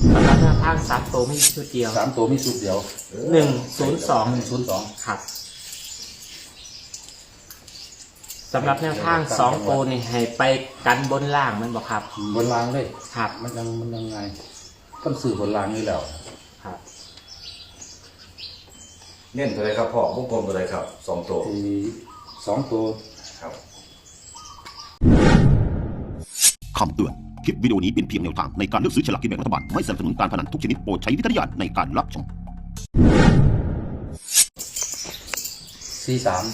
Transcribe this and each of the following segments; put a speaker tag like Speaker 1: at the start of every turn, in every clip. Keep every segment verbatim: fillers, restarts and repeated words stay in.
Speaker 1: สำหรับแนวทางสามตัวมีชุดเดียว
Speaker 2: สามตัวมีชุดเดียว
Speaker 1: หนึ่งศูนย์สอง
Speaker 2: หนึ่งศูนย์สอง
Speaker 1: ครับสำหรับแนวทางสองตัวนี่ให้ไปกันบนล่างมันบอกครับ
Speaker 2: บนรางเลย
Speaker 1: ครับ
Speaker 2: มันยังมันยังไงต้องสื่อบนรางนี่แล้ว
Speaker 1: ครับ
Speaker 3: เน้นตัวไหนครับพ่อวงกลมตัวไหนครับสองตัว
Speaker 2: ที่สองตัว
Speaker 3: ครับ
Speaker 4: คำเตือนคลิปวิดีโอนี้เป็นเพียงแนวทางในการเลือกซื้อฉลากกินแบ่งรัฐบาลไม่สนับสนุนการพนันทุกชนิดโปรดใช้วิจารณญาณในการรับชม
Speaker 2: สี่สาม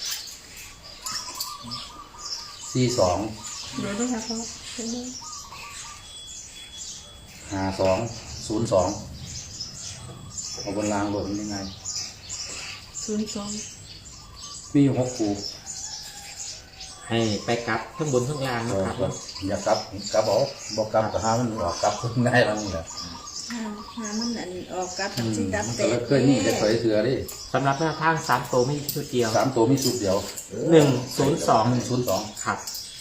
Speaker 2: สี่สอง
Speaker 5: เดี๋ยวด้วยค่ะพ่อ
Speaker 2: ห้าสองศูนย์สองเอาบนรางบนยังไง
Speaker 5: ศูนย์สอง
Speaker 2: มีอยู่หกคู่
Speaker 1: ให้ไปกลับทั้งบนทั้งล่างนะครับ
Speaker 2: อย่ากลับกลับบอกบอกกลับแต่ห้ามันออกกลับง่ายแล้วนี่แหละ
Speaker 5: หาหามันอันออกกับทั้งสิ้นกับเตะ
Speaker 2: เคยนี่จะเคยเถื่อดิ
Speaker 1: สำหรับแนวทางสามตัวมีชุดเดียว
Speaker 2: สามตัวมีชุดเดียว
Speaker 1: หนึ่งศูนย์สอง
Speaker 2: หนึ่งศูนย์สอง
Speaker 1: ครับ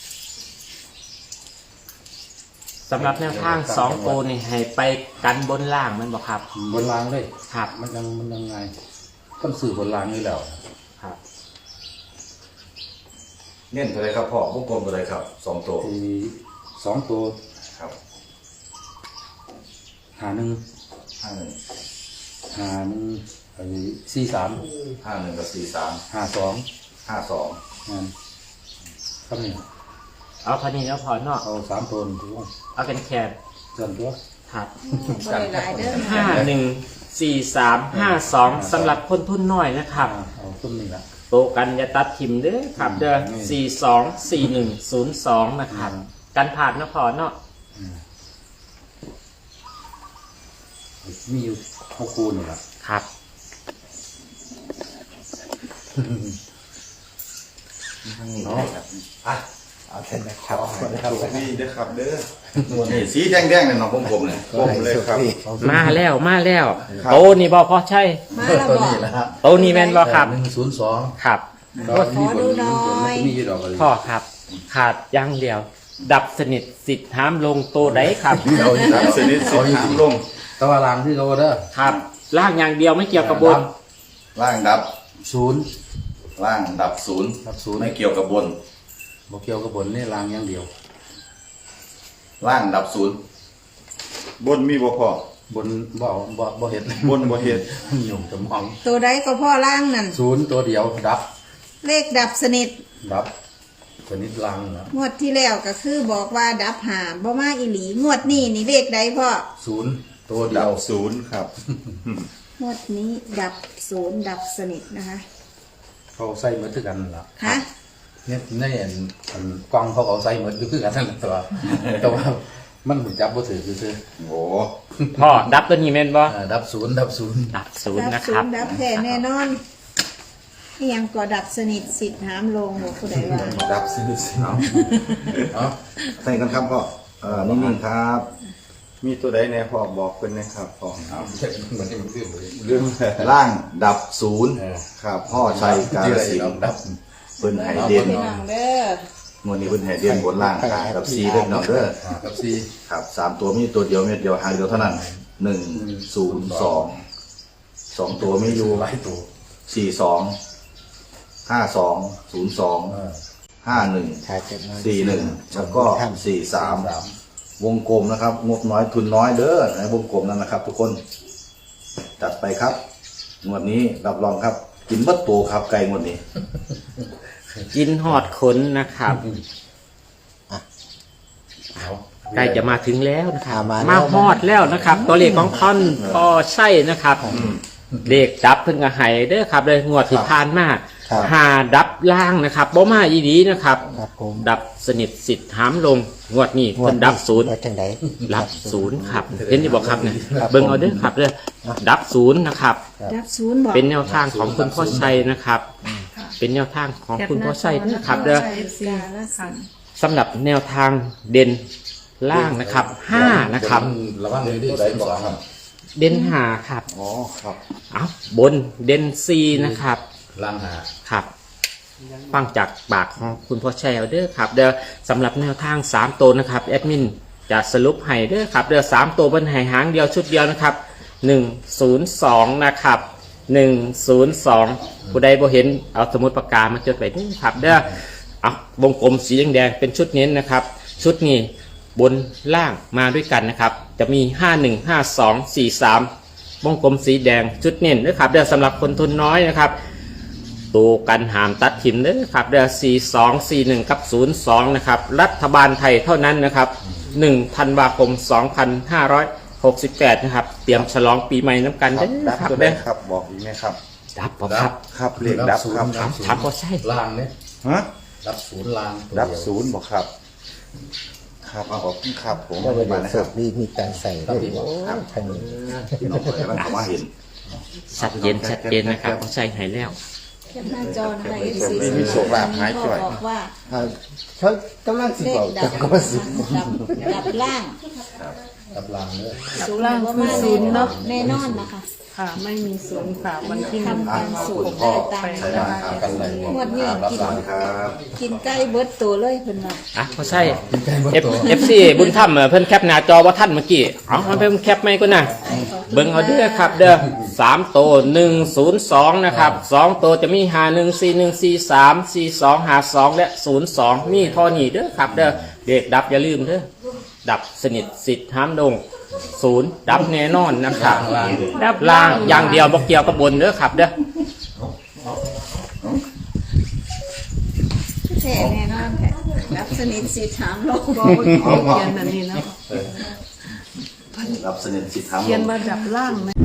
Speaker 1: สำหรับแนวทางสองตัวนี่ให้ไปกันบนล่างมันบอกครับ
Speaker 2: บนรางเลย
Speaker 1: ครับ
Speaker 2: มันยังมันยังไงต้องสื่อบนรางนี่แล้ว
Speaker 1: ครับ
Speaker 3: เน้นตัวไหนครับพ่อวงกลมตัวไหนครับสองตัว
Speaker 2: ที่สองตัว
Speaker 3: ครับ
Speaker 2: หาหนึ่ง
Speaker 3: ห้าหนึ่ง
Speaker 2: หาหนึ่งไอ้สี่สาม
Speaker 3: ห้าหนึ่งกับสี่สาม
Speaker 2: ห้าสอง
Speaker 3: ห้าสอง
Speaker 2: นั่นครับนี่
Speaker 1: เอาพอนี้แล้วพอเนาะ
Speaker 2: เอาสามตัวถูก
Speaker 1: เอาเป็นแคบ
Speaker 2: ส่วนตัว
Speaker 1: ครับ
Speaker 5: ห้า
Speaker 1: หนึ่งสี่สามห้าสองสำหรับคนทุนน้อยนะครับ
Speaker 2: เอาต้นนี้ละ
Speaker 1: โตกันอย่าตัดทิมเด้อครับเด้อสี่สองสี่หนึ่งศูนย์สองนะครับการผ่านนะพอเนาะ
Speaker 2: มีอยู่หกคูนี่แหละ
Speaker 1: ครับ
Speaker 3: เนาะอ่ะ
Speaker 2: เอาแค่นี้ครับ
Speaker 3: นี่เด้อครับเด้อนี่สีแดงๆเนี่ยน้องกลมๆเนี่ยกลมเลยครับ
Speaker 1: มาแล้วมาแล้วโตนี่บอพอใช่
Speaker 5: มาแล้วบอก
Speaker 1: โตนี่แม่นบอครับ
Speaker 2: หนึ่งศูนย์สอง
Speaker 1: ครับ
Speaker 5: ขอดูหน่อย
Speaker 1: พ่อครับขาดอย่างเดียวดับสนิทสิทธิ์ห้ามลงโตได้ครับ
Speaker 3: ดับสนิทสิทธิ์ห้ามลง
Speaker 2: ตะวันล่างที่เราเด้อ
Speaker 1: ครับล่างอย่างเดียวไม่เกี่ยวกับบน
Speaker 3: ล่างดับ
Speaker 2: ศูนย์
Speaker 3: ล่างดับศูนย์
Speaker 2: ดับศูนย์
Speaker 3: ไม่เกี่ยวกับบน
Speaker 2: บ่เกี่ยวกับบนนี่ล่างอย่างเดียว
Speaker 3: ล่างดับศูนย์บนมีบ่พอบ
Speaker 2: นบ่บ่บ่เห็ด
Speaker 3: บนบ่เห็ด
Speaker 2: หยุ่งสมอง
Speaker 5: ตัวใดก็พ่อล่างนั่น
Speaker 2: ศูนย์ตัวเดียวดับ
Speaker 5: เลขดับสนิท
Speaker 2: ดับสนิทล่างนะ
Speaker 5: งวดที่แล้วก็คือบอกว่าดับหาบ่มาอีหลีงวดนี้นี่เลขใดพ่อ
Speaker 2: ศูนย์ตัวเดียว
Speaker 3: ศูนย์ครับ
Speaker 5: งวดนี้ดับศูนย์ดับสนิทนะคะ
Speaker 2: เขาใส่เหมือนกันล่ะ
Speaker 5: ฮะ
Speaker 2: เนี่ยในอันกล้องเขาเอาใส่เหมือนคือกันนั่นแหละตัวแต่ว่ามันจับบ่ถือคือ
Speaker 3: โอ้
Speaker 1: พ่อดับตัวนี้แม่นบ่
Speaker 2: ดับศูนย์ดับศูนย์
Speaker 1: ดับศูนย์นะครับ
Speaker 5: ดับแท้แน่นอนยังก็ดับสนิทสิทธิ์ห้ามลงหนูผู้ใดว่า
Speaker 3: ดับสนิทเอาเอาใส่กันครับพ่อเออนิ่งๆครับมีตัวใดแน่พ่อบอกเป็นนะครับพ่อเอา
Speaker 2: เหมือนที่มันเรื่อง
Speaker 3: เรื่องล่างดับศูนย์ครับพ่อชัยกาฬสินธุ์
Speaker 2: ดับ
Speaker 3: เพิ่นให้เด่น
Speaker 5: ง
Speaker 3: วดนี้เพิ่นให้เด่นบนล่างกับสี่เด้อน้องเด้อ
Speaker 2: กับสี่
Speaker 3: ครับสามตัวมีตัวเดียวเม็ดเดียวหางเดียวเท่านั้นหนึ่งศูนย์สองสองตัวมีอยู่
Speaker 2: หลายตัว
Speaker 3: สี่สองห้าสองศูนย์สองห้าหนึ่งสี่หนึ่งแล้วก็สี่สามวงกลมนะครับงบน้อยทุนน้อยเด้อในวงกลมนั้นนะครับทุกคนจัดไปครับงวดนี้รับรองครับกินบัดโตครับไก่งวดนี้
Speaker 1: กินหอดขนนะครับใกล้จะมาถึงแล้วนะครับมาหอดแล้วนะครับตัวเลขของท่อนพอใช่นะครับเลขดับเพิ่งกระหายเด้อครับเลยงวดที่ผ่านมาหาดับล่างนะครับบ่มาอีดีนะครับดับสนิทสิทธิ์ห้ามลงงวดนี้เพิ่นดับศูนย์ดับศูนย์ครับเห็นที่บอกครับเนี่ยเบิ่งเอาเด้อครับเด้อดับศูนย์นะครับ
Speaker 5: ดับศูนย์บอก
Speaker 1: เป็นแนวทางของคุณพ่อชัยนะครับเป็นแนวทางของคุณพ่อชัยนะครับเด้อสำหรับแนวทางเด่นล่างนะครับห้านะครับ
Speaker 2: ระวังเลยด้วยบอกครับ
Speaker 1: เด่นหาครับ
Speaker 3: อ๋อครับ
Speaker 1: เอาบนเด่นซีนะครับ
Speaker 2: ล่างหา
Speaker 1: ครับฟังจากปากของคุณพ่อแชร์เด้อครับเดี๋ยวสำหรับแนวทางสามตัวนะครับแอดมินจะสรุปให้เด้อครับเดือสามตัวบนไหหางเดียวชุดเดียวนะครับหนึ่งศูนย์สองนะครับหนึ่งศูนย์สองผู้ใดบ่เห็นเอาสมุดปากกามาจดไว้เด้อครับเด้อเอาวงกลมสีแดงๆเป็นชุดเน้นนะครับ ชุดนี้บนล่างมาด้วยกันนะครับจะมีห้าหนึ่ง ห้าสอง สี่สามวงกลมสีแดงชุดเน้นนะครับเด้อสำหรับคนทุนน้อยนะครับตัวกันหามตัดถิ่นเด้อครับเด้อสี่สอง สี่หนึ่งกับศูนย์สองนะครับรัฐบาลไทยเท่านั้นนะครับหนึ่งธันวาคมสองพันห้าร้อยหกสิบแปดนะครับเตรียมฉลองปีใหม่น้ำกันเด้อ
Speaker 3: ดับ
Speaker 1: ครับ
Speaker 3: ตัว
Speaker 1: เด้
Speaker 3: ได้
Speaker 1: อ
Speaker 3: ครับบอกอีกไหมครับ
Speaker 1: ดับบ่ครับ
Speaker 3: ครับเลขดับครับ
Speaker 2: ดับศูนย์
Speaker 1: ครับก็ใช่
Speaker 2: ลางเนี่ย
Speaker 3: ฮะ
Speaker 2: ดับศูนย์ลางตัว
Speaker 3: ดับ
Speaker 2: เดียว
Speaker 3: ศูนย์บอกครับ ครับขอบคุณครับผม
Speaker 6: ก็ไป
Speaker 3: มา
Speaker 6: เดี๋ยว
Speaker 3: นะ
Speaker 6: เสิ
Speaker 3: ครั
Speaker 6: ร์
Speaker 3: บ
Speaker 6: ฟดีมีการใส่ด้วยโอ้ทางนี้
Speaker 3: พี่น้องเลยกำลังเข้ามาเห็น
Speaker 1: ชัดเจนชัดเจนนะครับก็ใช่ให้แล้ว
Speaker 5: แคปหน้าจอนะคะ เอฟ ซี
Speaker 3: มีมีโชคลาภหายจ่อย
Speaker 5: บอกว่า
Speaker 6: อ่าเขากำลังสิ
Speaker 5: เล
Speaker 6: บ
Speaker 5: ข
Speaker 6: อก
Speaker 5: ดั
Speaker 6: แต่
Speaker 5: บ
Speaker 6: ก็มาสิ
Speaker 5: ดับดับล่าง
Speaker 2: ดับลางเนี่ย
Speaker 5: ศูนย์ว่ามาศูนย์เนาะแน่นอนนะคะ
Speaker 7: ค่ะ ไม่มีศูนย์ค่ะวันที่หนึ่ง
Speaker 5: ทำการสูตร
Speaker 3: พ่อ
Speaker 5: ได้ตาม
Speaker 3: ใช่ไหมครับ
Speaker 2: กันเลย
Speaker 5: งวดนี้กิน
Speaker 3: สวัสดีครับ
Speaker 5: กินใกล้เบิดตัวเลยเพิ่นว่า
Speaker 1: อ่ะก็ใช่เอฟเอฟซีบุญธรรมเอ่อเพิ่นแคปหน้าจอว่าท่านเมื่อกี้เอามันเพิ่นแคปไม่ก็นะเบิ่งเอาเด้อครับเด้อสามโตหนึ่งศูนย์สองนะครับสองโตจะมีหาหนึ่งสี่หนึ่งสี่สามสี่สองหาสองและศูนย์สองมีเท่อนี้เด้อครับเด้อเด็กดับอย่าลืมเด้อดับสนิทสิทธิ์ห้ามดงศูนย์ดับแน่นอนนะครับ
Speaker 7: ดับ
Speaker 1: ล่างอย่างเดียวบ่เกี่ยวกับบนเด้อครับเด้อ
Speaker 5: แท้แน่นอนแท้รับสนิทสิถามโลก
Speaker 7: บอกว่าเขียนอันนี้นะ
Speaker 3: รับสนิทสิทธิ์ทำ
Speaker 7: เขียนว่าดับล่างไหม